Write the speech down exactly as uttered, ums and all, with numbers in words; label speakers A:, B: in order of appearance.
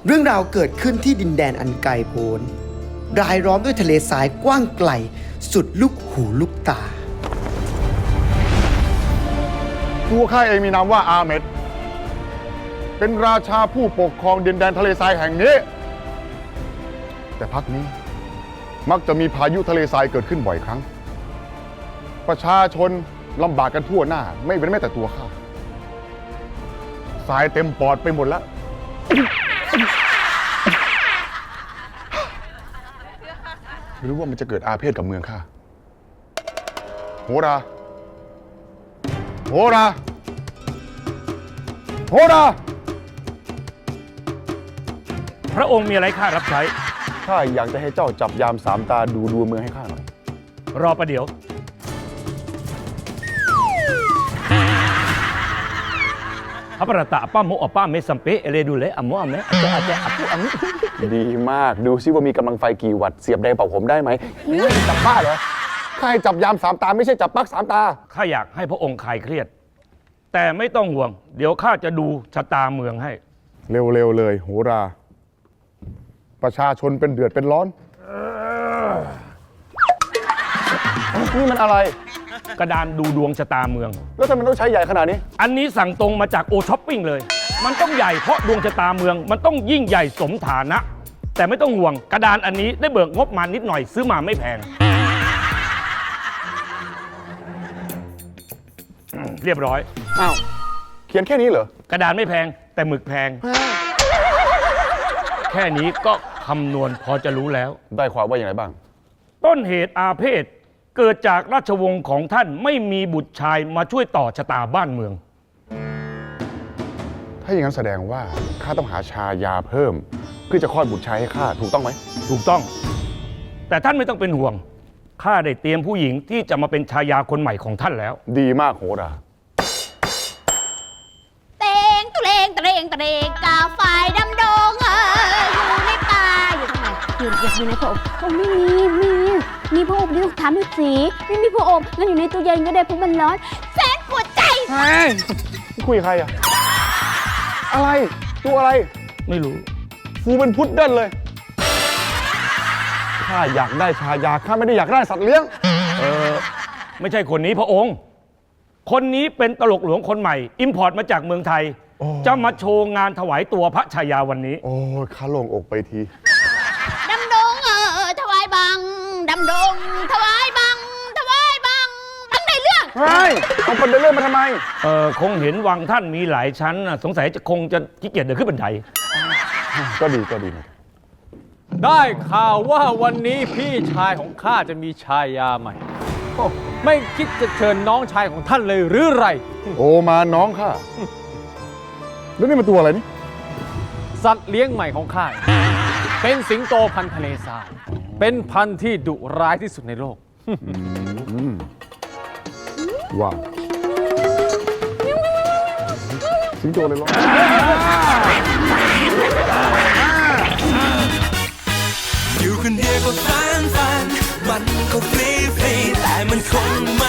A: เรื่องราวเกิดขึ้นที่ดินแดนอันไกลโพ้นรายล้อมด้วยทะเลทรายกว้างไกลสุดลูกหูลูกตา
B: ตัวข้าเองมีนามว่าอาเมดเป็นราชาผู้ปกครองดินแดนทะเลทรายแห่งนี้แต่พักนี้มักจะมีพายุทะเลทรายเกิดขึ้นบ่อยครั้งประชาชนลำบากกันทั่วหน้าไม่เป็นแม้แต่ตัวข้าทรายเต็มปอดไปหมดแล้วหรือว่ามันจะเกิดอาเพศกับเมืองข้าโหราโหราโหรา
C: พระองค์มีอะไรข้ารับใช้
B: ข้าอยากจะให้เจ้าจับยามสามตาดูดวงเมืองให้ข้าหน่อย
C: รอประเดี๋ยวพระประตะป้าโมอป้าเมสัมเปเอเลดูเลอโมอเมอาจจะอาจจะอัปุอัง
B: ดีมากดูซิว่ามีกำลังไฟกี่วัตต์เสียบแดงเป่าผมได้ไหมจับบ้าเหรอข้าให้จับยามสามตาไม่ใช่จับปักสามตา
C: ข้าอยากให้พระองค์คลายเครียดแต่ไม่ต้องห่วงเดี๋ยวข้าจะดูชะตาเมืองให้
B: เร็วๆเลยโหราประชาชนเป็นเดือดเป็นร้อนนี่มันอะไร
C: กระดานดูดวงชะตาเมือง
B: แล้วทำไมต้องใช้ใหญ่ขนาดนี้
C: อันนี้สั่งตรงมาจากโอช้อปปิ้งเลยมันต้องใหญ่เพราะดวงชะตาเมืองมันต้องยิ่งใหญ่สมฐานะแต่ไม่ต้องห่วงกระดานอันนี้ได้เบิกงบมานิดหน่อยซื้อมาไม่แพงเรียบร้อย
B: อ้าวเขียนแค่นี้เหร
C: อกระดานไม่แพงแต่หมึกแพงแค่นี้ก็คำนวณพอจะรู้แล้ว
B: ได้ความว่าอย่างไรบ้าง
C: ต้นเหตุอาเพศเกิดจากราชวงศ์ของท่านไม่มีบุตรชายมาช่วยต่อชะตาบ้านเมือง
B: ถ้าอย่างนั้นแสดงว่าข้าต้องหาชายาเพิ่มเพื่อจะคลอดบุตรชายให้ข้าถูกต้องไหม
C: ถูกต้องแต่ท่านไม่ต้องเป็นห่วงข้าได้เตรียมผู้หญิงที่จะมาเป็นชายาคนใหม่ของท่านแล้ว
B: ดีมากโหรา
D: เตงตุเลงตะเรงตะเรงกาไฟดำดงเอออยู่ในป่าอยู่ตรงไหนอยู่อยากอยู่ในพระอบโอ้ไม่มีไม่มีมีพระอบดิถามดูสิไม่มีพระอบงั้นอยู่ในตู้เย็นก็ได้เพราะมันร้อนแสนปวดใจ
B: ใช่คุยกับใครอะอะไรตัวอะไร
C: ไม่รู้
B: ฟูเป็นพุดเดิ้ลเลยข้าอยากได้ชายาข้าไม่ได้อยากได้สัตว์เลี้ยง
C: เออไม่ใช่คนนี้พระองค์คนนี้เป็นตลกหลวงคนใหม่อิมพอร์ตมาจากเมืองไทยจะมาโชว์งานถวายตัวพระชายาวันนี้
B: โอ้ข้าโล่งอกไปที
D: ดำดงเออถวายบังดำดงถวายบังถวายบังบังในเรื่อง
B: เฮ้ยเอาคนเดินเรื่องมาทำไม
C: เออคงเห็นวังท่านมีหลายชั้นสงสัยจะคงจะขี้เกียจเดินขึ้นบันได
B: ก็ดีก็ดี
E: ได้ข่าวว่าวันนี้พี่ชายของข้าจะมีชายาใหม่ไม่คิดจะเชิญน้องชายของท่านเลยหรือไร
B: โอมาน้องข้าแล้วนี่มันตัวอะไรนี่
E: สัตว์เลี้ยงใหม่ของข้าเป็นสิงโตพันธุ์ทะเลทรายเป็นพันธุ์ที่ดุร้ายที่สุดในโลก
B: ว้าวสิงโตเลยเหรอ
F: อยู่คนเดียวก็ฟันฟันมันก็ฟรีฟรีแต่มันคง